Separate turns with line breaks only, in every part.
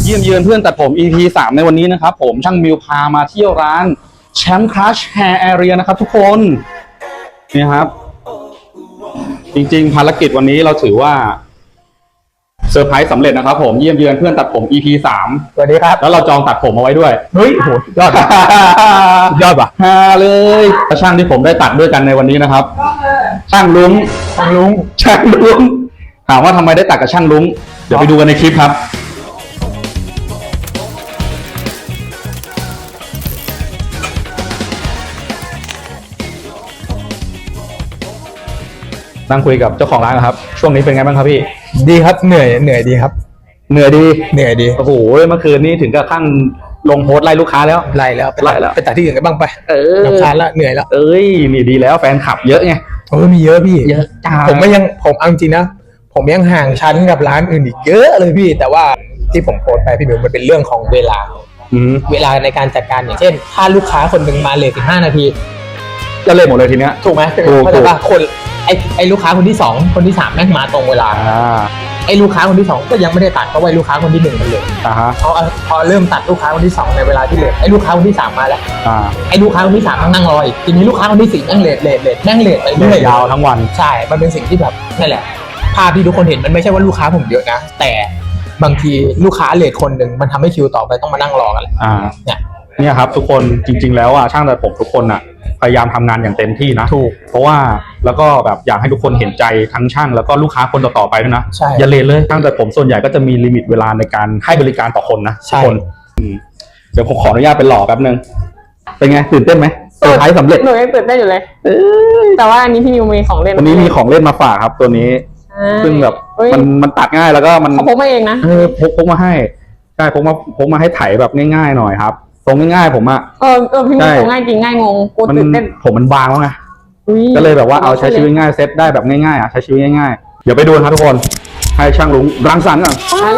เยี่ยมเยือนเพื่อนตัดผม EP 3ในวันนี้นะครับผมช่างมิวพามาเที่ยวร้านแชมป์คลัชแฮร์แอเรียนะครับทุกคนนี่ครับจริงๆภารกิจวันนี้เราถือว่าเซอร์ไพรส์สำเร็จนะครับผมเยี่ยมเยือนเพื่อนตัดผม EP 3
สวัสดีครับ
แล้วเราจองตัดผมเอาไว้ด้วย
เฮ้ยโหยอดยอดป่ะ
ฮาเลยช่างที่ผมได้ตัดด้วยกันในวันนี้นะครับช่างลุงถามว่าทำไมได้ตัดกับช่างลุงเดี๋ยวไปดูกันในคลิปครับนั่งคุยกับเจ้าของร้านครับช่วงนี้เป็นไงบ้างครับพี่
ดีครับเหนื่อยดีครับ
เหนื่อยดีโอ้โหเมื่อคืนนี้ถึงกับขั้นลงโพสต์ไล่ลูกค้าแล้ว
ไล่แล้วไปตัดที่อื่นกันบ้างไปรำคาญละเหนื่อยแล้ว
นี่ดีแล้วแฟนคลับเยอะไง
มีเยอะพี่
เยอะจ้า
ผมเอาจริงนะผมยังห่างชั้นกับร้านอื่นอีกเยอะเลยพี่แต่ว่าที่ผมโพสต์ไปพี่บิวมันเป็นเรื่องของเวลาในการจัดการอย่างเช่นถ้าลูกค้าคนหนึ่งมาเลท15 นาที
ก็เลยหมดเลยทีเนี้ย
ถูกไหมเพราะว่าคนไอ้ลูกค้าคนที่2คนที่3แม่งมาตรงเวลาไอ้ลูกค้าคนที่2ก็ยังไม่ได้ตัดเพราะว่าลูกค้าคนที่1มันเลยพอเริ่มตัดลูกค้าคนที่2ในเวลาที่เลทไอ้ลูกค้าคนที่3มาแล้วไอ้ลูกค้าคนที่3นั่งรออีกทีนี้ลูกค้าคนที่4นั่งเลทนั่งเลทไปเรื่อย
ยาวทั้งวัน
ใช่มันเป็นสิ่งที่แบบนั่นแหละภาพที่ทุกคนเห็นมันไม่ใช่ว่าลูกค้าผมเยอะนะแต่บางทีลูกค้าเลทคนหนึ่งมันทำให้คิวต่อไปต้องมานั่งรอกัน
เนี่ยครับทุกคนจริงๆแล้วช่างตัดผมทุกคนพยายามทำงานอย่างเต็มที่นะ
ถูก
เพราะว่าแล้วก็แบบอยากให้ทุกคนเห็นใจทั้งช่างแล้วก็ลูกค้าคนต่อๆไปด้วยนะ
ใช่
อย่าเลทเลยช่างตัดผมส่วนใหญ่ก็จะมีลิมิตเวลาในการให้บริการต่อคนนะทุกคนเดี๋ยวผมขออนุญาตเป็นหล่อแป๊บนึงเป็นไงตื่นเต้นไหมเซอร์ไพรส์สำเร็จ
หนูยังตื่นเต้นอยู่เลยแต่ว่าอันนี้พี่นิวมีของเล่น
วันนี้มีของเล่นมาฝากครับตัวนี้ซึ่งแบบมันตัดง่ายแล้วก็มัน
พกมาเองนะ
พกมาให้ใช่พกมาให้ไถแบบง่ายๆหน่อยครับทรงง่ายๆผม
พี่นิวง่ายจริงง่ายงงกูตื่นเต้น
ผมมันบางแล้วไงก็เลยแบบว่าเอาใช้ชีวิตง่ายเซตได้แบบง่ายๆใช้ชีวิตง่ายๆเดี๋ยวไปดูครับทุกคนให้ช่างลุงรังสรรค์ก่อน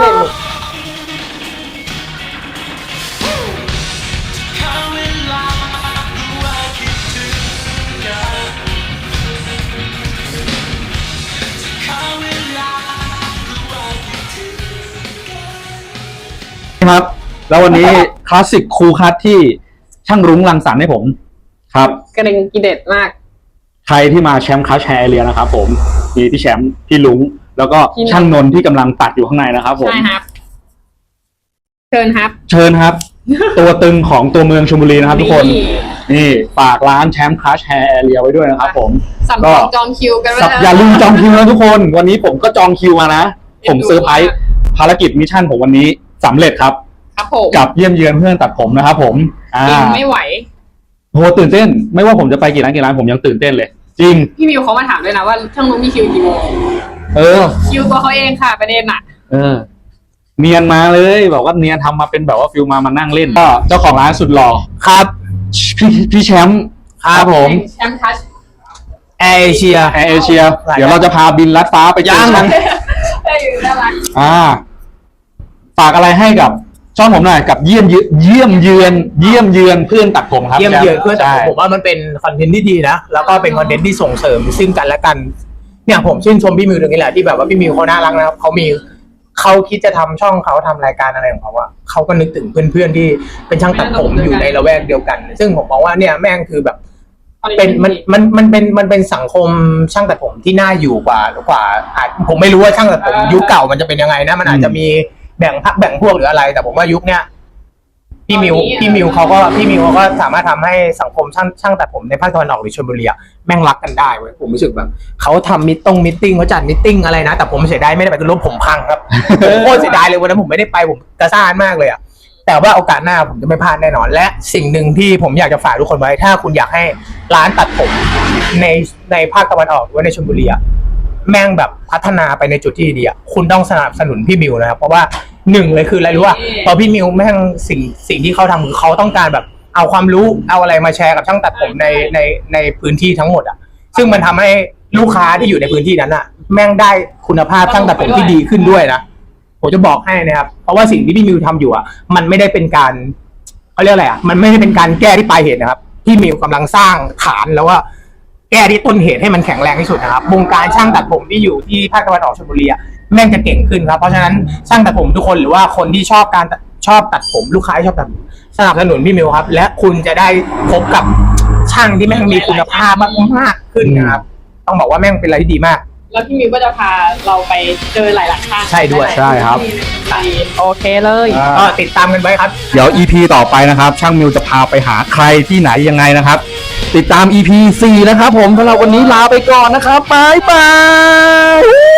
ครับแล้ววันนี้คลาสสิกคูลคัทที่ช่างรุ้งรังสรรค์ให้ผมครับ
กระเด็นกีเด็ดมาก
ใครที่มาแชมป์คลัชแฮร์แอเรียนะครับผมมีพี่แชมป์พี่ลุงแล้วก็ช่างนนท์ที่กำลังตัดอยู่ข้างในนะครับผม
ใช่ครับเชิญ
ครับ ตัวตึงของตัวเมืองชลบุรีนะครับทุกคนนี่ฝากร้านแชมป์คลัชแฮร์แอเรียไว้ด้วยนะครับผม
ก็จองคิวกัน
อย่าลืมจองคิวนะทุกคนวันนี้ผมก็จองคิวมานะผมเซอร์ไพรส์ภารกิจมิชชั่นผมวันนี้สำเร็จครับกับเยี่ยมเยือนเพื่อนตัดผมนะครับผม
ไม่ไหว
โหตื่นเต้นไม่ว่าผมจะไปกี่ร้านผมยังตื่นเต้นเลยจริง
พี่มิวเขามาถามด้วยนะว่าช่างลุงมีคิวกี่โมงคิวตัวเขาเองค่ะประเด็น
เนียนมาเลยบอกว่าเนียนทำมาเป็นแบบว่าฟิลมานั่งเล่นก็เจ้าของร้านสุดหล่อ
ครับ
พี่แชมป์
ครับผม
แชมป์ทัช
แอร์เอเชีย
เดี๋ยวเราจะพาบินลัดฟ้าไปย่าง
น่ารัก
ฝากอะไรให้กับช่องผมหน่อยกับเยี่ยมเยือนเพื่อนตัดผมครับ
เยี่ยมเยือนเพื่อนตัดผมว่ามันเป็นคอนเทนต์ที่ดีนะแล้วก็เป็นคอนเทนต์ที่ส่งเสริมซึ่งกันและกันเนี่ยผมชื่นชมพี่มิวตรงนี้แหละที่แบบว่าพี่มิวเขาน่ารักนะครับเขาคิดจะทำช่องเขาทำรายการอะไรของเขาอะเขาก็นึกถึงเพื่อนๆที่เป็นช่างตัดผมอยู่ในละแวกเดียวกันซึ่งผมมองว่าเนี่ยแม่งคือแบบเป็นมันเป็นสังคมช่างตัดผมที่น่าอยู่กว่าผมไม่รู้ว่าช่างตัดผมยุคเก่ามันจะเป็นยังไงนะมันอาจจะมีแบ่งพรรคแบ่งพวกหรืออะไรแต่ผมว่ายุคเนี้ยพี่มิวเขาก็สามารถทำให้สังคมช่างตัดผมในภาคตะวันออกหรือชลบุรีแม่งรักกันได้เว้ยผมรู้สึกแบบเขาทำมิทติ้งเขาจัดมิทติ้งอะไรนะแต่ผมเสียดายไม่ได้ไปคือรถผมพังครับโคตรเสียดายเลยวันนั้นผมไม่ได้ไปผมกระซ่านมากเลยแต่ว่าโอกาสหน้าผมจะไม่พลาดแน่นอนและสิ่งหนึ่งที่ผมอยากจะฝากทุกคนไว้ถ้าคุณอยากให้ร้านตัดผมในภาคตะวันออกหรือในชลบุรีแม่งแบบพัฒนาไปในจุดที่ดีคุณต้องสนับสนุนพี่มิวนะครับเพราะว่าหนึ่งเลยคืออะไรรู้ว่าพอพี่มิวแม่งสิ่งที่เขาทำคือเขาต้องการแบบเอาความรู้เอาอะไรมาแชร์กับช่างตัดผมในพื้นที่ทั้งหมดซึ่งมันทำให้ลูกค้าที่อยู่ในพื้นที่นั้นแม่งได้คุณภาพช่างตัดผมที่ดีขึ้นด้วยนะผมจะบอกให้นะครับเพราะว่าสิ่งที่พี่มิวทำอยู่มันไม่ได้เป็นการเขาเรียกอะไรมันไม่ได้เป็นการแก้ที่ปลายเหตุนะครับพี่มิวกำลังสร้างฐานแล้วว่าแก้ที่ต้นเหตุให้มันแข็งแรงที่สุดนะครับวงการช่างตัดผมที่อยู่ที่ภาคตะวันออกชลบุรีแม่งจะเก่งขึ้นครับเพราะฉะนั้นช่างตัดผมทุกคนหรือว่าคนที่ชอบตัดผมลูกค้าที่ชอบตัดผมสนับสนุนพี่มิวครับและคุณจะได้พบกับช่างที่แม่งมีคุณภาพมากขึ้นนะครับต้องบอกว่าแม่งเป็นอะไรที่ดีมาก
แล้วพี่มิวก็จะพาเราไปเจอหลายๆช่าง
ใช่ด้วย
ใช่ครับ
โอเคเลย
ก็ติดตามกันไว้ครับ
เดี๋ยว EP ต่อไปนะครับ ช่างมิวจะพาไปหาใครที่ไหนยังไงนะครับ ติดตาม EP 4 นะครับผมสำหรับวันนี้ลาไปก่อนนะครับบ๊ายบาย